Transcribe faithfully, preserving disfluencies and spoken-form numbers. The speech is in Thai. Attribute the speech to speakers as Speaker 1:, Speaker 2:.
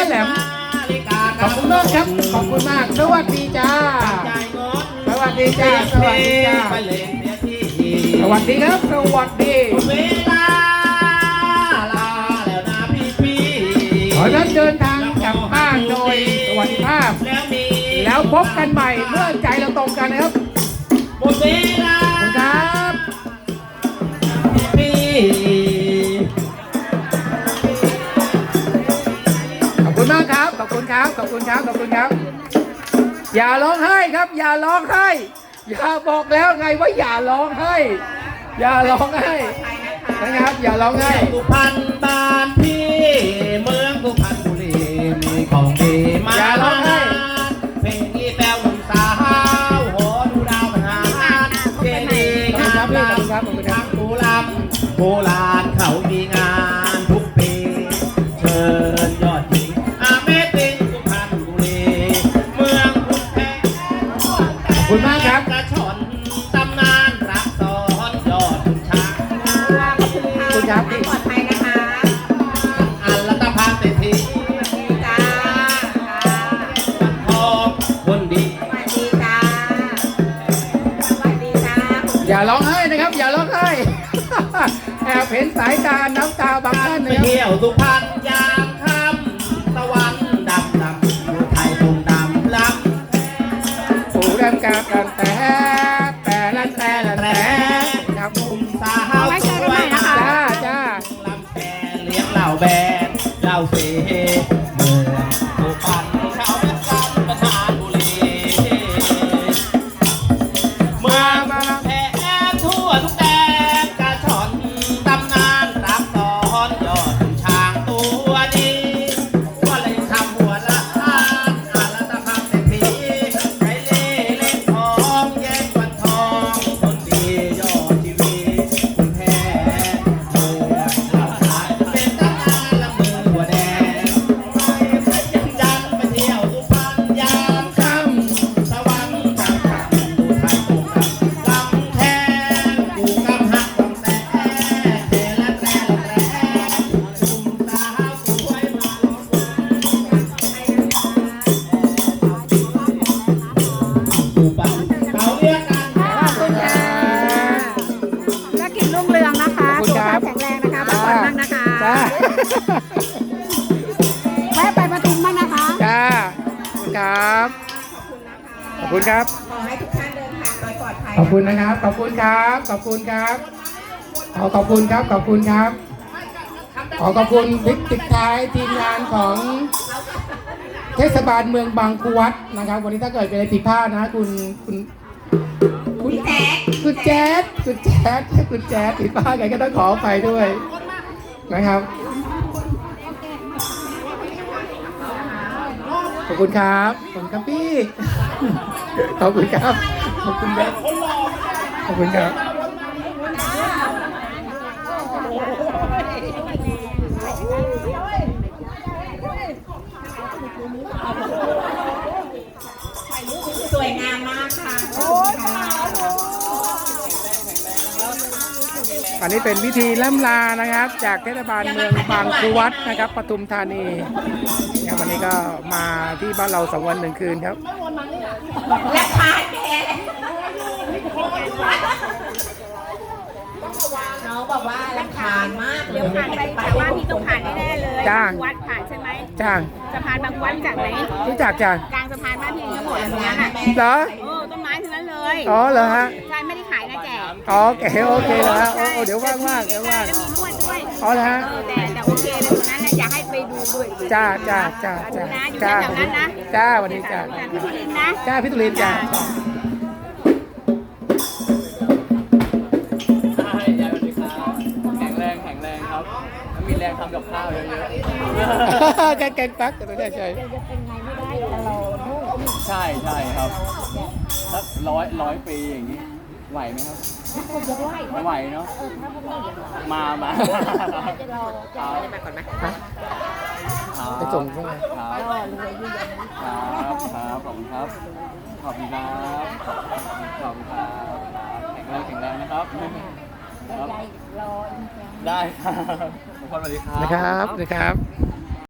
Speaker 1: แหลมขอบคุณมากครับขอบคุณมากสวัสดีจ้าสวัสดีจ้าสวัสดีจ้าสวัสดีครับสวัสดีเวลาลาแล้วนะพี่พี่ขอรับเดินทางกลับบ้านโดยสวัสดิภาพแล้วพบกันใหม่เมื่อใจเราตรงกันนะครับหมดเวลาครับพี่ขอบคุณมากครับขอบคุณครับขอบคุณครับขอบคุณครับอย่าร้องไห้ครับอย่าร้องไห้อย่าบอกแล้วไงว่าอย่าร้องไห้อย่าร้องไห้นะครับอย่าร้องไห้สุพรรณบ้านพี่เมืองสุพรรณบุรีมีของดีมาอย่าร้องไห้เพลงนี้แปลวหนุ่มสาวโหดูดาวมันหาเจดีย์งามลำทางโบราณโบราณเขามีงานทุกปีเชิญยอดหญิงอาเมติงสุพรรณบุรีเมืองพุทธแท้ขอบคุณมากครับกระชอนตำนานรักสอนยอดคุณช้างคุณครับปลอดภัยนะคะอัลลัตภาเศรษฐีจ้าทองคนดีสวัสดีจ้าสวัสดีจ้าอย่าร้องไห้นะครับอย่าร้องไห้แอบเห็นสายตาน้ำตาบางท่านนะครับเที่ยวสุพรรณยามค่ำตะวันดำดำอยู่ไทยตรงดำล้ำผู้ดำกาบกันแต่แต่ละแต่ละแต่กับมุมสาวสวยจ้าจ้าลำแพเลี้ยงเหล่าแบนเหล่าเสเมืองสุพรรณชาวแม่ซ้ำประธานบุรีเมืองแผ่ทั่วทุกแดนกระชอนตำนานรักสอนยอดช้างตัวดีว่าเลยทำหัวละอาอาละตะพังเศรษฐีใจเล่เล่นทองแย่งวันทองคนดียอดทีวีคุณแพ้เมืองเราขายจะเป็นตำนานละมือหัวแดงไปยังยันไปเที่ยวสุพรรณยามค่ำตะวันกลางค่ำดูไทยตรงกันลำแทงกูกำหักลำแต่เทละแต่ละแต่ชุมสาวสวยมาล้อมกูปังเขาเรียกกันขอบคุณค่ะและกินรุ่งเรืองนะคะสุขภาพแข็งแรงนะคะพักผ่อนบ้างนะคะแวะไปปทุมบ้างนะคะจ้าครับขอบคุณครับขอให้ทุกท่านเดินทางโดยปลอดภัยขอบคุณนะครับขอบคุณครับขอบคุณครับขอขอบคุณครับขอบคุณครับขอขอบคุณพิติดท้ายทีมงานของเทศบาลเมืองบางครูวัดนะครับวันนี้ถ้าเกิดเป็นอะไรผิดพลาดนะคุณคุณคุณแจ๊ดคุณแจ๊ดคุณแจ๊ดคุณแจ๊ดผิดพลาดกันก็ต้องขออภัยด้วยนะครับขอบคุณครับขอบคุณครับพี่ขอบคุณครับขอบคุณครับขอบคุณครับสวยงามมากค่ะอันนี้เป็นพิธีล่ำลานะครับจากเทศบาลเมืองบางครูวัดนะครับปทุมธานีวันนี้ก็มาที่บ้านเราสองวันหนึ่งคืนครับและพาแกน้องบอกว่าลำคาญมากเดี๋ยวผ่านไปแต่ว่าพี่ต้องผ่านแน่ๆเลยจ้างวัดผ่านใช่ไหมจ้างสะพานบางวัดจากไหนรู้จักจ้างกลางสะพานบ้านพี่ทั้งหมดตรงนั้นอ่ะเหรอโอ้ต้นไม้ทั้งนั้นเลยอ๋อเหรอฮะใช่ไม่ได้ขายนะแจกอ๋อโอเคโอเคแล้วฮะโอ้เดี๋ยวว่างมากเดี๋ยวว่างมีนวดด้วยอ๋อเหรอฮะแต่แต่โอเคเลยตรงนั้นนะอยากให้ไปดูด้วยจ้าจ้าจ้าจ้าจ้าจ้าวันนี้จ้าพี่ตุลินนะจ้าพี่ตุลินจ้ามีแรงทำกับข้าวเยอะๆแกงแกงปักแต่ไม่ได้ใช่ใช่ใช่ครับสักร้อยร้อยปีอย่างนี้ไหวไหมครับไม่ไหวเนาะมามาจะรอจะมาก่อนไหมไปส่งใช่ไหมครับครับครับขอบคุณครับขอบคุณครับขอบคุณครับแข็งแรงแข็งแรงนะครับได้ครับทุกคนสวัสดีครับนะครับสวัสดีครับ